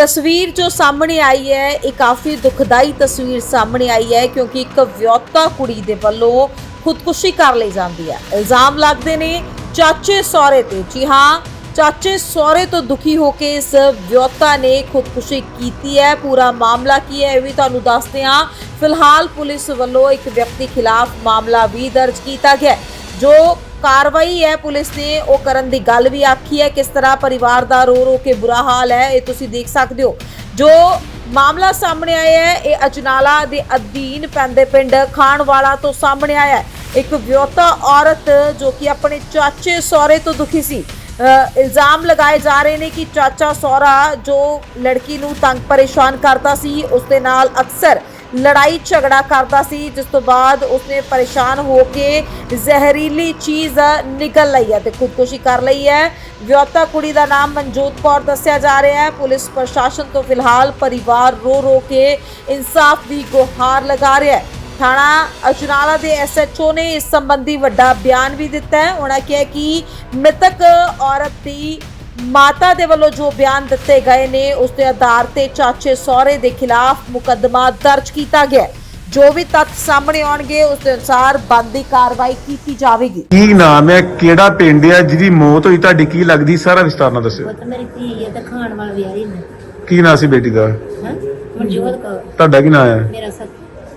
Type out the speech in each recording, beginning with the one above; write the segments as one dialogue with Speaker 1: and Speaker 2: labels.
Speaker 1: तस्वीर जो सामने आई है ये काफ़ी दुखदाई तस्वीर सामने आई है क्योंकि एक विआहता कुड़ी दे वल्लों खुदकुशी कर ली जाती है। इल्ज़ाम लगते ने चाचे सौरे ते। जी हाँ, चाचे सौरे तो दुखी होकर इस विआहता ने खुदकुशी की है। पूरा मामला की है भी तुहानूं दसदे हां। फिलहाल पुलिस वल्लों एक व्यक्ति खिलाफ मामला भी दर्ज किया गया। जो कार्रवाई है पुलिस ने वो करन दी गल भी आखी है। किस तरह परिवार दा रो रो के बुरा हाल है ये तुसीं देख सकते हो। जो मामला सामने आया है ये अजनाला दे अधीन पैंदे पिंड खानवाला तो सामने आया है। एक विआहता औरत जो कि अपने चाचे सौरे तो दुखी सी। इल्ज़ाम लगाए जा रहे हैं कि चाचा सौरा जो लड़की नूं तंग परेशान करता सी उसदे नाल अक्सर लड़ाई झगड़ा करता सी, जिस तो बाद उसने परेशान होके जहरीली चीज़ निकल ली है तो खुदकुशी कर ली है। विआहता कुड़ी का नाम मनजोत कौर दस्या जा रहा है। पुलिस प्रशासन तो फिलहाल परिवार रो रो के इंसाफ की गुहार लगा रहा है। थाना अजनाला के SHO ने इस संबंधी वड्डा बयान भी दिता है। उन्होंने कहा कि मृतक औरत की माता दे वल्लों जो बयान दिते गए ने उसके आधार ते चाचे सौरे के खिलाफ मुकदमा दर्ज किया गया। जो भी तथ्य सामने आउणगे उसके अनुसार बनदी कार्रवाई की जाएगी।
Speaker 2: की नाम है, केड़ा पिंड है जिहदी मौत होई, तुहाडी की लगदी, सारा विस्तार नाल दस्सिओ।
Speaker 3: पुत्त मेरी धी है ते खान वाल विआही ने।
Speaker 2: की नाम सी बेटी दा?
Speaker 3: मनजोत कौर।
Speaker 2: तुहाडा की नाम है?
Speaker 3: मेरा सत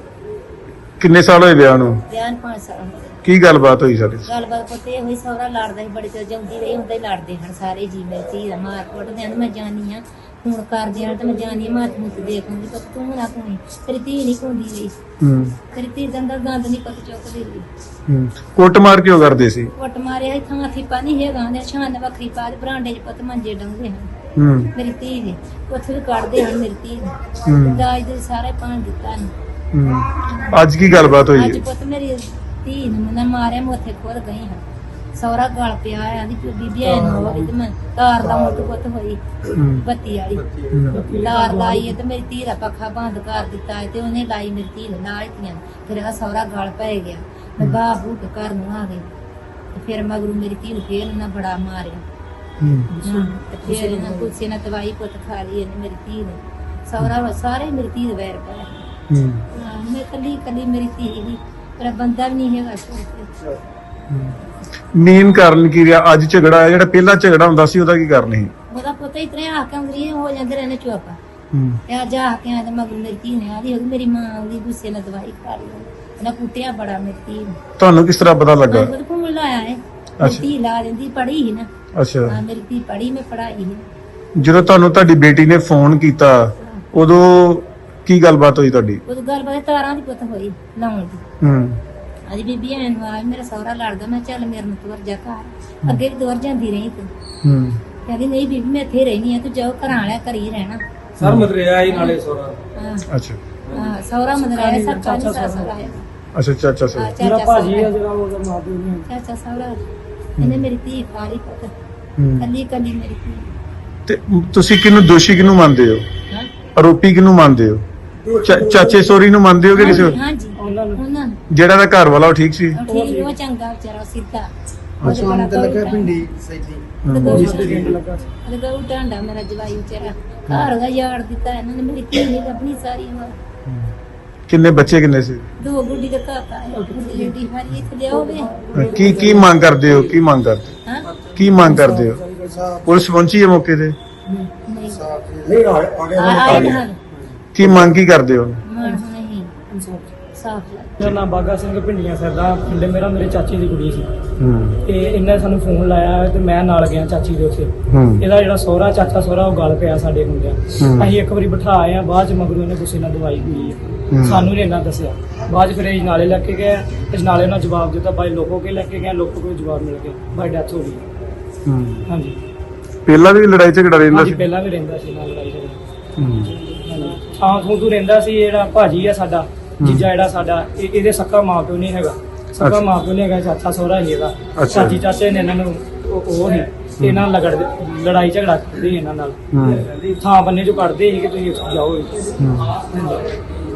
Speaker 2: किन्ने साल होए विआह नूं?
Speaker 3: बयान 5 साल
Speaker 2: की गलबात होई सारी?
Speaker 3: गलबात पुत्त ये हुई सौरा लड़दा ही बड़ी चल जाउंदी रही हुंदा ही लड़दे हन सारे जी। मेरी धी दा मार कुट दे मैं जानी हां फोन कर दिया तो मैं जानी माथ मुत देखूंगी तो तू ना कोई तेरी धी नहीं कोंदी रही। तेरी धी दे अंदर गंद नहीं पत चुकदी रही।
Speaker 2: कुट मार क्यों करदे सी?
Speaker 3: कुट मारे है थां थीपा नहीं है गांदे छान वखरी पा दे बरांडे च पुत्त मंजे डंगे हन मेरी धी दे उत्थे भी कढ़दे हन मेरी धी दे दाज दे सारे पान दिता न।
Speaker 2: आज की गलबात होई?
Speaker 3: ਅੱਜ ਪੁੱਤ ਮੇਰੀ ਧੀ ਨੂੰ ਮੈਂ ਮਾਰਿਆ ਮੈਂ ਉੱਥੇ ਖੁਦ ਗਈ ਹਾਂ। ਸੌਰਾ ਗਲ ਪਿਆ ਆਂਦੀ ਬੀਬੀ ਐ ਨੂੰ ਹੋਈ ਤੇ ਮੈਂ ਤਾਰ ਦਾ ਮੁੱਢ ਪੁੱਤ ਹੋਈ ਬੱਤੀ ਵਾਲੀ ਤਾਰ ਲਾਈ ਤੇ ਮੇਰੀ ਧੀ ਦਾ ਪੱਖਾ ਬੰਦ ਕਰ ਦਿੱਤਾ ਤੇ ਉਹਨੇ ਲਾਈ ਮੇਰੀ ਧੀ ਨੂੰ ਨਾਲ ਧੀਆਂ। ਫਿਰ ਆ ਸੌਰਾ ਗਲ ਪੈ ਗਿਆ। ਮੈਂ ਬਾਹ ਬੂਟ ਘਰ ਨੂੰ ਆ ਗਈ ਤੇ ਫਿਰ ਮਗਰੂ ਮੇਰੀ ਧੀ ਨੂੰ ਫੇਰ ਨਾ ਬੜਾ ਮਾਰਿਆ ਤੇ ਫਿਰ ਇਹਨਾਂ ਕੁਛ ਨਾ ਦਵਾਈ ਪੁੱਤ ਖਾ ਲਈ ਇਹਨੇ ਮੇਰੀ ਧੀ ਨੇ। ਸੌਰਾ ਸਾਰੇ ਮੇਰੀ ਧੀ ਦੇ ਵੈਰ ਪਾਇਆ। मैं कली कली मेरी धी ही पर बंदा भी नहीं है।
Speaker 2: मेन कारण की ਰਿਹਾ ਅੱਜ ਝਗੜਾ ਹੈ? ਜਿਹੜਾ ਪਹਿਲਾ ਝਗੜਾ ਹੁੰਦਾ ਸੀ ਉਹਦਾ ਕੀ ਕਾਰਨ ਸੀ?
Speaker 3: ਉਹਦਾ ਪਤਾ ਇਤਨੇ ਆ ਕੇ ਅੰਦਰੀ ਹੋ ਜਾਂਦੇ ਰਹਿੰਦੇ ਚੁੱਪ। ਤੇ ਅੱਜ ਆ ਕੇ ਆਦੇ ਮਗਰ ਮੇਰੀ ਧੀ ਨੇ ਆਦੀ ਮੇਰੀ ਮਾਂ ਉਹਦੀ ਗੁੱਸੇ ਨਾਲ ਦਵਾਈ ਖਾ ਲਈ ਉਹਨਾਂ ਕੁੱਟਿਆ ਬੜਾ ਮੇਰੀ ਧੀ ਨੂੰ।
Speaker 2: ਤੁਹਾਨੂੰ ਕਿਸ ਤਰ੍ਹਾਂ ਪਤਾ ਲੱਗਾ?
Speaker 3: ਮੈਂ ਘੁੰਮ ਲਾਇਆ ਹੈ ਧੀ ਲਾ ਦਿੰਦੀ ਪੜੀ ਹੀ ਨਾ।
Speaker 2: ਅੱਛਾ
Speaker 3: ਹਾਂ ਮੇਰੀ ਧੀ ਪੜੀ ਮੈਂ ਪੜਾਈ ਹੈ।
Speaker 2: ਜਦੋਂ ਤੁਹਾਨੂੰ ਤੁਹਾਡੀ ਬੇਟੀ ਨੇ ਫੋਨ ਕੀਤਾ ਉਦੋਂ ਕੀ ਗੱਲਬਾਤ ਹੋਈ ਤੁਹਾਡੀ?
Speaker 3: ਉਹ ਗੱਲਬਾਤ ਤਾਰਾਂ ਦੀ ਪੁੱਤ ਹੋਈ ਲਾਉਣ ਦੀ। ਅੱਜ ਬੀਬੀ ਐਨ ਵਾਰ ਮੇਰਾ ਸਹੁਰਾ ਲੜਦਾ ਮੈਂ ਚੱਲ ਮੇਰੇ ਨੂੰ ਤੁਰ ਜਾ ਘਰ। ਅੱਗੇ ਵੀ ਤੁਰ ਜਾਂਦੀ ਰਹੀ ਤੂੰ। ਕਹਿੰਦੀ ਨਹੀਂ ਬੀਬੀ ਮੈਂ ਇੱਥੇ ਰਹਿਣੀ ਆ ਤੂੰ ਜਾਓ ਘਰਾਂ ਵਾਲਿਆ ਘਰ ਹੀ ਰਹਿਣਾ।
Speaker 4: ਸਰ ਮਦਰਿਆ ਹੀ ਨਾਲੇ ਸੋਰਾ।
Speaker 2: ਅੱਛਾ
Speaker 3: ਹਾਂ ਸਹੁਰਾ ਮਦਰਿਆ ਸਰਕਾ ਨਹੀਂ ਸਸੁਰ ਆਇਆ।
Speaker 2: ਅੱਛਾ ਚਾਚਾ ਸਰ
Speaker 4: ਜਿਹੜਾ ਭਾਜੀ ਹੈ ਜਿਹੜਾ ਉਹਦਾ ਮਾਂ ਪਿਓ ਨਹੀਂ।
Speaker 3: ਚਾਚਾ ਸਹੁਰਾ ਇਹਨੇ ਮੇਰੀ ਧੀ ਖਾਲੀ ਪੁੱਤ ਕੱਲੀ ਕੱਲੀ ਮੇਰੀ ਧੀ।
Speaker 2: ਤੇ ਤੁਸੀਂ ਕਿਹਨੂੰ ਦੋਸ਼ੀ ਕਿਹਨੂੰ ਮੰਨਦੇ ਹੋ? ਆਰੋਪੀ ਕਿਹਨੂੰ ਮੰਨਦੇ ਹੋ? ਚਾਚੇ ਸੋਰੀ ਨੂੰ ਮੰਨਦੇ ਹੋ ਕਿ ਕਿਸੇ?
Speaker 3: ਹਾਂਜੀ ਉਹਨਾਂ ਨੂੰ
Speaker 2: ਜਿਹੜਾ ਦਾ ਘਰ ਵਾਲਾ ਉਹ ਠੀਕ ਸੀ?
Speaker 3: ਠੀਕ ਉਹ ਚੰਗਾ ਵਿਚਾਰਾ ਸਿੱਧਾ।
Speaker 4: ਸ਼ਾਮ ਤੇ ਲੱਗਾ ਪਿੰਡੀ ਸੈਦੀ
Speaker 3: ਲਗਾ ਉਟਾਂਡਾ ਮੇਰਾ ਜਵਾਈ ਵਿਚਾਰਾ ਘਰ ਦਾ ਯਾਰ ਦਿੱਤਾ ਇਹਨਾਂ ਨੇ ਮੇਰੀ ਧੀ ਨੇ ਆਪਣੀ ਸਾਰੀ ਉਮਰ।
Speaker 2: ਕਿੰਨੇ ਬੱਚੇ ਕਿੰਨੇ ਸੀ?
Speaker 3: 2 ਗੁੱਡੀ ਦਾ ਕਾਕਾ ਹੈ ਗੁੱਡੀ ਹਾਰੀ ਇੱਥੇ ਲਿਆ ਹੋਵੇ।
Speaker 2: ਕੀ ਮੰਗ ਕਰਦੇ ਹੋ? ਕੀ ਮੰਗ ਕਰਦੇ?
Speaker 3: ਹਾਂ
Speaker 2: ਕੀ ਮੰਗ ਕਰਦੇ ਹੋ? ਪੁਲਿਸ ਪਹੁੰਚੀ ਹੈ ਮੌਕੇ ਤੇ?
Speaker 4: ਨਹੀਂ
Speaker 3: ਆਏ ਨਾ
Speaker 2: ਕੀ ਮੰਗ ਕੀ ਕਰਦੇ ਹੋ?
Speaker 3: ਮਾਰ ਨਹੀਂ ਸਾਫ
Speaker 4: ਮੇਰਾ ਨਾਮ ਬਾਗਾ ਸਿੰਘ ਪਿੰਡੀਆਂ ਸਰਦਾ ਪਿੰਡ ਮੇਰਾ ਮੇਰੇ ਚਾਚੀ ਦੀ ਕੁੜੀ ਸੀ ਤੇ ਇਹਨੇ ਸਾਨੂੰ ਫੋਨ ਲਾਇਆ ਤੇ ਮੈਂ ਨਾਲ ਗਿਆ ਚਾਚੀ ਦੇ ਉੱਥੇ। ਇਹਦਾ ਜਿਹੜਾ ਸਹੁਰਾ ਚਾਚਾ ਸਹੁਰਾ ਉਹ ਗੱਲ ਪਿਆ ਸਾਡੇ ਮੁੰਡਿਆਂ। ਅਸੀਂ ਇੱਕ ਵਾਰੀ ਬਿਠਾ ਆਏ ਆ ਬਾਅਦ ਚ ਮਗਰੋਂ ਇਹਨੇ ਗੁੱਸੇ ਨਾਲ ਦਵਾਈ ਪੀ ਹੈ। ਸਾਨੂੰ ਨਹੀਂ ਇਹਨਾਂ ਦੱਸਿਆ। ਬਾਅਦ ਚ ਫਿਰ ਇਹ ਨਾਲੇ ਲੈ ਕੇ ਗਏ। ਇਸ ਨਾਲੇ ਉਹਨਾਂ ਜਵਾਬ ਦਿੱਤਾ ਬਾਈ ਲੋਕੋ ਕੇ ਲੈ ਕੇ ਗਏ। ਲੋਕੋ ਕੋਲ ਜਵਾਬ ਮਿਲ ਗਿਆ ਬਾਈ ਡੈਥ ਹੋ ਗਈ। ਹਾਂਜੀ
Speaker 2: ਪਹਿਲਾਂ ਵੀ ਲੜਾਈ ਝਗੜਾ ਰਹਿੰਦਾ ਸੀ?
Speaker 4: ਪਹਿਲਾਂ ਵੀ ਰਹਿੰਦਾ ਸੀ ਨਾਲ ਲੜਾਈ ਝਗੜਾ। ਥਾਂ ਥੂ ਤੂੰ ਰਹਿੰਦਾ ਸੀ। ਜਿਹੜਾ ਭਾਜੀ ਆ ਸਾਡਾ ਜੀਜਾ ਜਿਹੜਾ ਸਾਡਾ ਇਹਦੇ ਸੱਕਾ ਮਾਂ ਪਿਓ ਨਹੀਂ ਹੈਗਾ। ਸੱਕਾ ਮਾਂ ਪਿਓ ਨਹੀਂ ਹੈਗਾ। ਚਾਚਾ ਸਹੁਰਾ ਹੀ ਇਹਦਾ। ਚਾਚੀ ਚਾਚੇ ਨੇ ਇਹਨਾਂ ਨੂੰ ਉਹ ਨਹੀਂ ਇਹਨਾਂ ਨਾਲ ਲੜਾਈ ਝਗੜਾ ਕਰਦੇ ਇਹਨਾਂ ਨਾਲ। ਥਾਂ ਬੰਨੇ ਚੋਂ ਕੱਢਦੇ ਸੀ ਕਿ ਤੁਸੀਂ ਜਾਓ।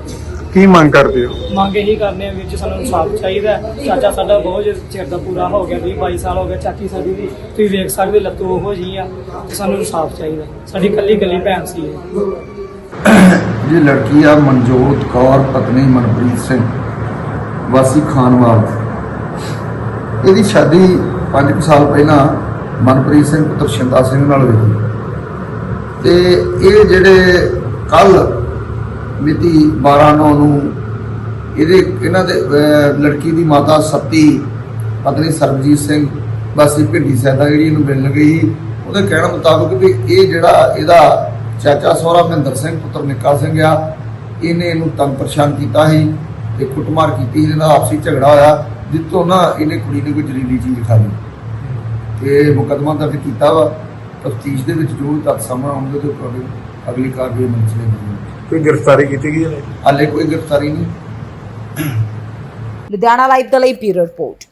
Speaker 2: ਕੀ ਮੰਗ ਕਰਦੇ ਹੋ?
Speaker 4: ਮੰਗ ਇਹੀ ਕਰਨੇ ਆ ਵਿੱਚ ਸਾਨੂੰ ਇਨਸਾਫ ਚਾਹੀਦਾ ਹੈ। ਚਾਚਾ ਸਾਡਾ ਬਹੁਤ ਚਿਰ ਦਾ ਪੂਰਾ ਹੋ ਗਿਆ, 20-22 ਸਾਲ ਹੋ ਗਏ। ਚਾਚੀ ਸਾਡੀ ਵੀ ਤੁਸੀਂ ਵੇਖ ਸਕਦੇ ਲੱਤੂ ਉਹੋ ਜਿਹੀ ਆ, ਤੇ ਸਾਨੂੰ ਇਨਸਾਫ ਚਾਹੀਦਾ। ਸਾਡੀ ਇਕੱਲੀ ਭੈਣ ਸੀ ਇਹ।
Speaker 5: ਇਹ ਲੜਕੀ ਆ ਮਨਜੋਤ ਕੌਰ ਪਤਨੀ ਮਨਪ੍ਰੀਤ ਸਿੰਘ ਵਾਸੀ ਖਾਨਵਾਲ। ਇਹਦੀ ਸ਼ਾਦੀ 5 ਸਾਲ ਪਹਿਲਾਂ ਮਨਪ੍ਰੀਤ ਸਿੰਘ ਪੁੱਤਰ ਸ਼ਿੰਦਾ ਸਿੰਘ ਨਾਲ ਹੋਈ ਤੇ ਇਹ ਜਿਹੜੇ ਕੱਲ ਮਿਤੀ 12/9 ਨੂੰ ਇਹਨਾਂ ਦੇ ਲੜਕੀ ਦੀ ਮਾਤਾ ਸੱਤੀ ਪਤਨੀ ਸਰਬਜੀਤ ਸਿੰਘ ਵਾਸੀ ਭਿੰਡੀ ਸੈਦਾ ਜਿਹੜੀ ਇਹਨੂੰ ਮਿਲਣ ਗਈ, ਉਹਦੇ ਕਹਿਣ ਮੁਤਾਬਕ ਵੀ ਇਹ ਜਿਹੜਾ ਇਹਦਾ ਚਾਚਾ ਸਹੁਰਾ ਮਹਿੰਦਰ ਸਿੰਘ ਪੁੱਤਰ ਨਿੱਕਾ ਸਿੰਘ ਆ, ਇਹਨੇ ਇਹਨੂੰ ਤੰਗ ਪਰੇਸ਼ਾਨ ਕੀਤਾ ਸੀ ਤੇ ਕੁੱਟਮਾਰ ਕੀਤੀ। ਇਹਦੇ ਨਾਲ ਆਪਸੀ ਝਗੜਾ ਹੋਇਆ, ਜਿੱਥੋਂ ਨਾ ਇਹਨੇ ਕੁੜੀ ਨੇ ਕੋਈ ਜ਼ਹਿਰੀਲੀ ਚੀਜ਼ ਖਾ ਲਈ ਤੇ ਮੁਕੱਦਮਾ ਦਰਜ ਕੀਤਾ ਵਾ। ਤਫਤੀਸ਼ ਦੇ ਵਿੱਚ ਜੋ ਤੱਥ ਸਾਹਮਣੇ ਆਉਣਗੇ ਤੇ ਅਗਲੀ ਕਾਰਵਾਈ ਮੰਜ਼ਿਲ ਹੋਵੇਗੀ।
Speaker 2: ਕੋਈ ਗ੍ਰਿਫਤਾਰੀ ਕੀਤੀ ਗਈ ਹੈ?
Speaker 5: ਹਾਲੇ ਕੋਈ ਗ੍ਰਿਫਤਾਰੀ ਨਹੀਂ।
Speaker 1: ਲੁਧਿਆਣਾ ਲਾਈਵ ਦੇ ਲਈ ਬਿਊਰੋ ਰਿਪੋਰਟ।